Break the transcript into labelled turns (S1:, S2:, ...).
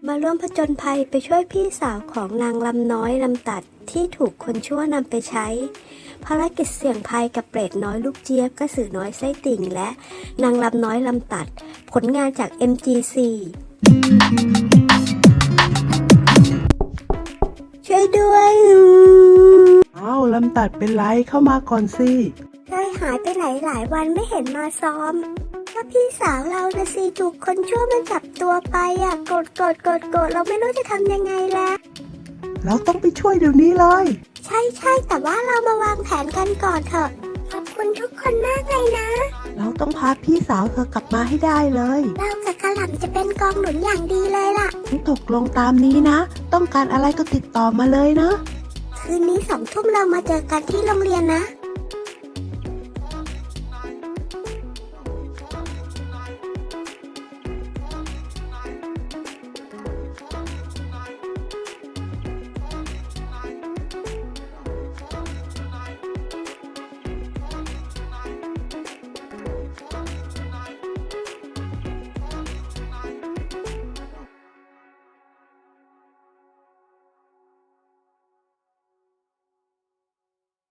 S1: มาร่วมผจญภัยไปช่วยพี่สาวของนางลำน้อยลำตัดที่ถูกคนชั่วนำไปใช้ภารกิจเสี่ยงภัยกับเปรตน้อยลูกเจี๊ยบกระสือน้อยไส้ติ่งและนางลำน้อยลำตัดผลงานจาก MGC ช่วยด้วย
S2: อ้าวลำตัดเป็นไรเข้ามาก่อนสิ
S1: เคยหายไปหลายวันไม่เห็นมาซ้อมก็พี่สาวเรานะสิถูกคนชั่วมันจับตัวไปโกรธเราไม่รู้จะทำยังไงแล้ว
S2: เราต้องไปช่วยเดี๋ยวนี้เลย
S1: ใช่แต่ว่าเรามาวางแผนกันก่อนเถอะขอบคุณทุกคนมากเลยนะ
S2: เราต้องพาพี่สาวเธอกลับมาให้ได้เลย
S1: เรากับกะหล่ำจะเป็นกองหนุนอย่างดีเลยล่ะ
S2: ตกลงตามนี้นะ ต้องการอะไรก็ติดต่อมาเลยนะ
S1: คืนนี้2 ทุ่มเรามาเจอกันที่โรงเรียนนะ